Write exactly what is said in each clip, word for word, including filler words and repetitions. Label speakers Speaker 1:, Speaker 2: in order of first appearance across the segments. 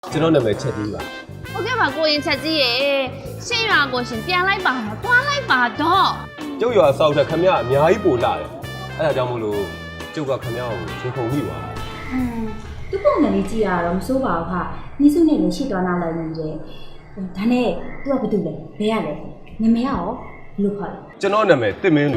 Speaker 1: ကျွန်တော်နာမည်ချက်ကြီးပါ
Speaker 2: ဟုတ်ကဲ့ပါကိုရင်ချက်ကြီးရေရှင်းရွာကိုရှင်ပြန်လိုက်ပါတော့တွားလိုက်ပါတော့
Speaker 1: ကျုပ်ရွာဆောက်တဲ့ခမရအများကြီးပိုလာတယ်အဲ့ဒါကြောင့်မို့လို့ကျုပ်ကခမရကိုရှင်ခုံမိပါ
Speaker 3: อืมသူ့ပုံစံလေးကြည့်ရတော့မစိုးပါဘူးခနီးစုနဲ့လည်းရှေ့သွားနာလိုက်နေတယ်ဒါနဲ့သူကဘာတူလဲဘယ်ရလဲနမေရောလို့ခေါ်တယ်
Speaker 1: ကျွန်တော်နာမည်တစ်မင်းလူ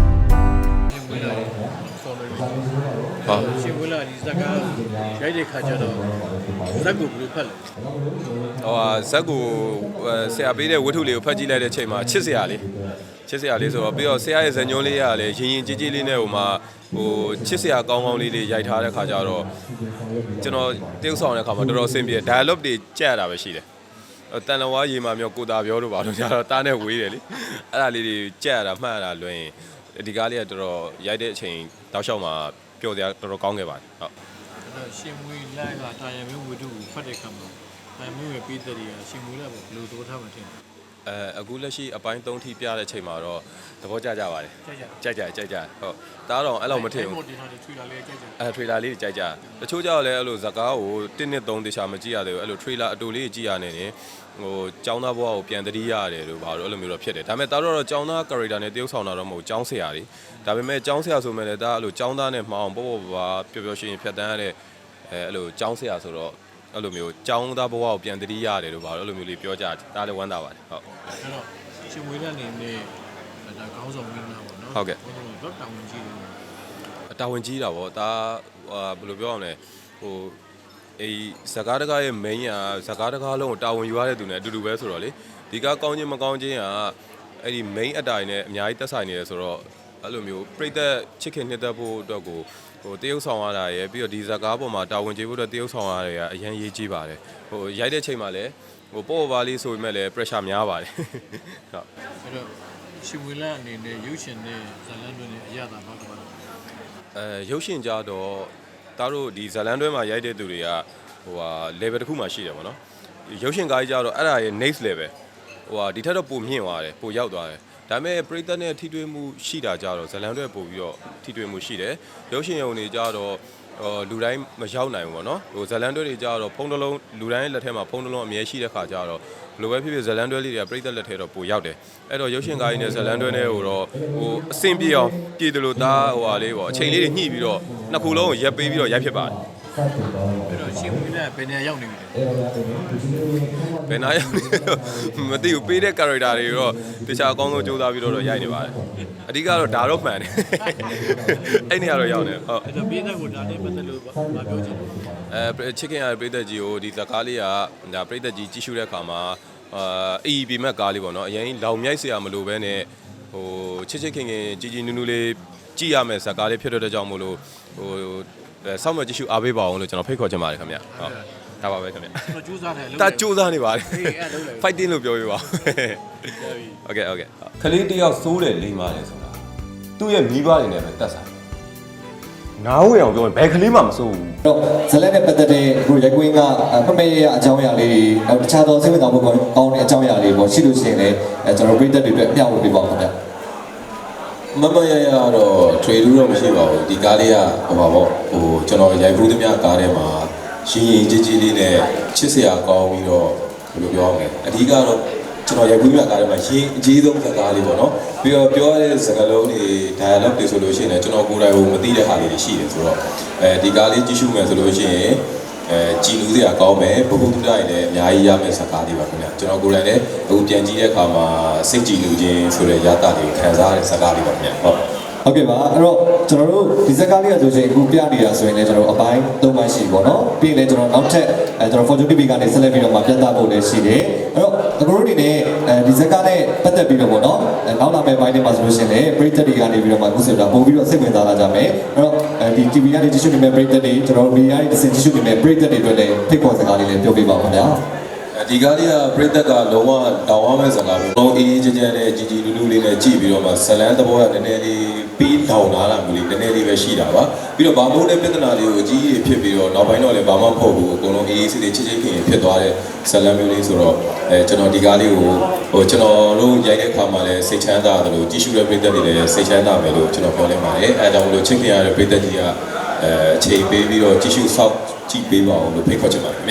Speaker 4: ဟာရှင်ဝလာဒီဇက်ကားရိုက်တဲ့ခါကျတော့ဇက်ကိုဘယ်လိုဖတ်လဲ
Speaker 5: ဟိုဟာဇက်ကိုဆရာပေးတဲ့ဝတ္ထုလေးကိုဖတ်ကြည့်လိုက်တဲ့အချိန်မှာချစ်စရာလေးချစ်စရာလေးဆိုတော့ပြီးတော့ဆရာရဲ့ဇာညွှန်းလေးကလည်းရင်ရင်ကြီးကြီးလေးနဲ့ဟိုမှာဟိုချစ်စရာကောင်းကောင်းလေးတွေရိုက်ထားတဲ့ခါကျတော့ကျွန်တော်တရုပ်ဆောင်တဲ့ခါမှာတော်တော်အဆင်ပြေ dialogue တွေကြက်ရတာပဲရှိတယ်တန်လဝါရေမာမျိုးကိုတာပြောလို့ပါလို့ကြတော့တားနဲ့ဝေးတယ်လေအဲ့ဒါလေးတွေကြက်ရတာမှတ်ရတာလွင်ဒီကားလေးကတော်တော်ရိုက်တဲ့အချိန်တောက်လျှောက်မှာပျော်စရာတော်တော်ကောင်းခဲ့ပါတယ်ဟုတ်
Speaker 4: အဲ့တော့ရှင်မွေးလိုက်ကတာယာမျိုးဝတ္ထုကိုဖတ်တဲ့ခါမှာတာယာမျိုးရဲ့ပြည်သက်တွေကရှင်မွေးလိုက်ဘယ်လိုသဘောထားမှထင်လဲ
Speaker 5: အဲအခုလက်ရှိအပိုင်းသုံးထိပြတဲ့အချိန်မှာတော့သဘောကျကြပါတယ်ကြိုက်ကြကြိုက်ကြဟုတ်တားတော့အဲ့လောက်မထင်ဘူးအဲထရေလာလေးကြိုက်ကြတချို့ကြောက်လဲအဲ့လိုဇကားကိုတစ်နှစ်သုံးတခြားမကြည့်ရသေးဘူးအဲ့လိုထရေလာအတူလေးကြည့်ရနေနေဟိုចောင်းသားဘဝကိုပြန်တတိရတယ်လို့ဘာလို့အဲ့လိုမျိုးတော့ဖြစ်တယ်ဒါပေမဲ့တားတော့ចောင်းသား character နဲ့တရုပ်ဆောင်တာတော့မဟုတ်ចောင်းဆရာတွေဒါပေမဲ့ចောင်းဆရာဆိုမဲ့လည်းဒါအဲ့လိုចောင်းသားနဲ့မှအောင်ပေါ့ပေါ့ပါပျော်ပျော်ရွှင်ရွှင်ဖြတ်တန်းရတဲ့အဲအဲ့လိုចောင်းဆရာဆိုတော့အဲ့လိုမျိုးចောင်းသားဘဝကိုပြန်တတိရတယ်လို့ဘာလို့အဲ့လိုမျိုးလေးပြောကြတယ်ဒါလည်းဝမ်းသာပါတယ်ဟုတ်
Speaker 4: အဲ့တော့ရှင်မွေးတဲ့အနေနဲ့ဒါခေါင်းဆောင်မင်းသားပေါ့နော်
Speaker 5: ဟုတ်ကဲ့
Speaker 4: တော့တာဝန်ကြီး
Speaker 5: တယ်တာဝန်ကြီးတာပေါ့ဒါဘယ်လိုပြောရမလဲဟိုအေးဇကားတကားရဲ့ main ကဇကားတကားလုံးကိုတာဝန်ယူရတဲ့သူနဲ့အတူတူပဲဆိုတော့လေဒီကကောင်းချင်းမကောင်းချင်းကအဲ့ဒီ main အတိုင်းနဲ့အများကြီးတက်ဆိုင်နေတယ်ဆိုတော့အဲ့လိုမျိုးပြိသက်ချစ်ခင်နှစ်သက်ဖို့အတွက်ကိုဟိုတရုပ်ဆောင်ရတာရယ်ပြီးတော့ဒီဇကားပေါ်မှာတာဝန်ကျေဖို့အတွက်တရုပ်ဆောင်ရတာရယ်အရင်ရေးကြည့်ပါတယ်ဟိုရိုက်တဲ့ချိန်မှာလည်းဟိုပေါ့ပါလေးဆိုပေမဲ့လည်း pressure များပါတယ်ဟုတ်
Speaker 4: အဲ့တော့ရှင်ဝေလာအနေနဲ့ရုပ်ရှင်နဲ့ဇလန်တွင်နဲ့အရသာဘာကပါ
Speaker 5: အဲရုပ်ရှင်ကြတော့တားတို့ဒီဇလန်တွဲမှာရိုက်တဲ့သူတွေကဟိုဟာ level တစ်ခုမှရှိတယ်ပေါ့နော်ရုပ်ရှင်ကားကြီးကြတော့အဲ့ဒါရဲ့ next level ဟိုဟာဒီထက်တော့ပိုမြင့်သွားတယ်ပိုရောက်သွားတယ်ဒါပေမဲ့ပရိသတ်နဲ့ထိတွေ့မှုရှိတာကြတော့ဇလန်တွဲပို့ပြီးတော့ထိတွေ့မှုရှိတယ်ရုပ်ရှင်ရုံတွေကြတော့ဟိုလူတိုင်းမရောက်နိုင်ဘူးပေါ့နော်ဟိုဇလန်တွဲတွေကြတော့ဖုန်းတစ်လုံးလူတိုင်းလက်ထဲမှာဖုန်းတစ်လုံးအမြဲရှိတဲ့ခါကြတော့ဘလိုပဲဖြစ်ဖြစ်ဇလန်တွဲလေးတွေကပရိသတ်လက်ထဲတော့ပိုရောက်တယ်အဲ့တော့ရုပ်ရှင်ကားကြီးနဲ့ဇလန်တွဲနဲ့ဟိုတော့ဟိုအဆင်ပြေအောင်ပြည်တယ်လို့သားဟိုဟာလေးပေါ့အချိန်လေးတွေညှိပြီးတော့နှစ်ခုလုံးကိုရက်ပေးပြီးတော့ရိုက်ဖြစ်ပါတယ်
Speaker 4: အဲ့တော့ရှင်ဝေလာဘယ်နေရာရောက်နေပြီလဲ
Speaker 5: ဘယ်နေရာရောက်နေမသိဘူးပေးတဲ့ character တွေတော့တခြားအကောင်းဆုံးစူးစမ်းပြီးတော့ရိုက်နေပါတယ်အဓိကတော့ဒါတော့မှန်တယ်အဲ့နေရာတော့ရောက်နေဟုတ်
Speaker 4: အဲ့တော့ပေးတဲ့ကိုဒါနဲ့ပတ်သက်လို့မပြောချင်ဘူး
Speaker 5: အဲချစ်ခင်ရတဲ့ပြည်သက်ကြီးကိုဒီဇကားလေးကဒါပြည်သက်ကြီးကြည့်ရှုတဲ့အခါမှာအာအေးပီမက်ကားလေးပေါ့နော်အရင်လောင်မြိုက်စရာမလိုဘဲနဲ့ဟိုချစ်ချစ်ခင်ခင်ကြီးကြီးနူးနူးလေးကြည့်ရမယ်ဇကားလေးဖြစ်တဲ့ကြောင့်မို့လို့ဟိုဆောက်မကြည့်ရှုအားပေးပါအောင်လို့ကျွန်တော်ဖိတ်ခေါ်ချင်ပါတယ်ခင်ဗျဟုတ်ဒါပါပဲခင်ဗျ
Speaker 4: ကျွန်တော်ကြိုးစားတယ်
Speaker 5: တာကြိုးစားနေပါတယ်
Speaker 4: အေးအဲ့လုံးလေ
Speaker 5: fighting လို့ပြောပြပါဟုတ်ကဲ့ဟုတ်ကဲ့ခလေးတယောက်စိုးတယ်လိမ့်ပါတယ်ဆိုတာသူ့ရဲ့မိဘတွေနဲ့ပဲတက်ဆိုင်နားဝေအောင်ပြောရင်ဘယ်ကလေးမှမစိုးဘူး
Speaker 6: တော့ဇလက်နဲ့ပတ်သက်တဲ့အခုရိုက်ကွင်းကဖမေရအကြောင်းအရာလေးတွေတခြားသောစိတ်ဝင်စားမှုကောင်းတဲ့အကြောင်းအရာလေးပေါ့ရှိလို့ရှိရင်လည်းကျွန်တော်ပြည်သက်တွေအတွက်မျှဝေပေးပါဦးခင်ဗျ
Speaker 5: မမရရတော့ trade လို့တော့မရှိပါဘူးဒီကားလေးကဟိုပါပေါ့ဟိုကျွန်တော်ရိုက်ဘူးသမျှကားထဲမှာရှင်ရင်ကြီးကြီးလေးနဲ့ချစ်စရာကောင်းပြီးတော့ဘယ်လိုပြောရမလဲအဓိကတော့ကျွန်တော်ရိုက်ဘူးသမျှကားထဲမှာရှင်အကြီးဆုံးကားလေးပေါ့နော်ပြီးတော့ပြောရတဲ့စကားလုံးတွေ dialogue တွေဆိုလို့ရှိရင်ကျွန်တော်ကိုယ်တိုင်ကိုမသိတဲ့ဟာလေးတွေရှိတယ်ဆိုတော့အဲဒီကားလေးကြည့်ရှုမယ်ဆိုလို့ရှိရင်အဲကြည်လူစရာကောင်းမယ်ဘုဟုတုဒ္ဒရင်လည်းအများကြီးရမယ့်စကားလေးပါခင်ဗျကျွန်တော်ကိုယ်တိုင်လည်းအခုပြန်ကြည့်တဲ့အခါမှာစိတ်ကြည်လူခြင်းဆိုတဲ့ရတာတွေခံစားရတဲ့စကားလေးပါခင်ဗျဟုတ်
Speaker 6: ဟုတ်ကဲ့ပါအဲ့တော့ကျွန်တော်တို့ဒီဇက်ကားလေးကဆိုရင်အခုပြနေတာဆိုရင်လည်းကျွန်တော်အပိုင်းသုံးပိုင်းရှိပေါ့နော်ပြီးရင်လည်းကျွန်တော်နောက်ထပ်အဲကျွန်တော် Fortune တီ ဗီ ကနေဆက်လက်ပြီးတော့မှပြသဖို့လည်းရှိတယ်အဲ့တော့အခုတို့အနေနဲ့အဲဒီဇက်ကားနဲ့ပတ်သက်ပြီးတော့ပေါ့နော်နောက်လာမယ့်ပိုင်းတွေမှာဆိုလို့ရှိရင်လည်းပရိသတ်တွေကနေပြီးတော့မှအခုဆိုတာပို့ပြီးတော့စိတ်ဝင်စားလာကြမယ်အဲ့တော့ဒီ တီ ဗီ ကနေကြည့်ရှုနေတဲ့ပရိသတ်တွေကျွန်တော်တို့ media တွေကြည့်ရှုနေတဲ့ပရိသတ်တွေအတွက်လည်းဖိတ်ခေါ်စကားလေးလည်းပြောပြပါဦးခင်ဗျာ
Speaker 5: ဒီကားလေးကပြည်သက်ကလုံးဝတောင်းရမယ့်စကားပဲလုံးအေးအေးချမ်းချမ်းနဲ့ជីជីလူလူလေးနဲ့ကြည့်ပြီးတော့မှဇလန်းသဘောကနည်းနည်းလေးပြီးတောင်းလာတာမျိုးလေးနည်းနည်းလေးပဲရှိတာပါပြီးတော့ဘာမို့တဲ့ပြဿနာလေးကိုအကြီးကြီးဖြစ်ပြီးတော့နောက်ပိုင်းတော့လည်းဘာမှမဟုတ်ဘူးအကုန်လုံးအေးအေးဆေးဆေးချစ်ချစ်ခင်ခင်ဖြစ်သွားတဲ့ဇလန်းမျိုးလေးဆိုတော့အဲကျွန်တော်ဒီကားလေးကိုဟိုကျွန်တော်တို့ရိုက်တဲ့အခါမှာလည်းစိတ်ချမ်းသာတယ်လို့ကြည့်ရှုတဲ့ပြည်သက်တွေလည်းစိတ်ချမ်းသာမယ်လို့ကျွန်တော်ပြောလိုက်ပါတယ်အဲဒါကြောင့်မလို့ချစ်ခင်ရတဲ့ပြည်သက်ကြီးကအဲအချိန်ပေးပြီးတော့ကြည့်ရှုဆောက်ကြည့်ပေးပါအောင်လို့ဖိတ်ခေါ်ချင်ပါတယ်ခင်ဗျ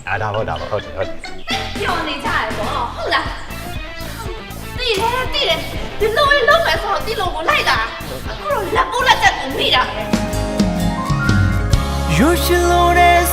Speaker 1: အာဒါဟုတ်တာပါဟုတ်တယ်ဟုတ်တယ်
Speaker 2: ပြောနေကြရပေါ့ဟုတ်လားတိတယ်တိတယ်ဒီလိုလေးလုံးမယ်ဆိုတော့ဒီလိုကိုလိုက်တာအခုတော့လက်ပိုးလက်ချက်ကိုမိတာ
Speaker 7: You should know that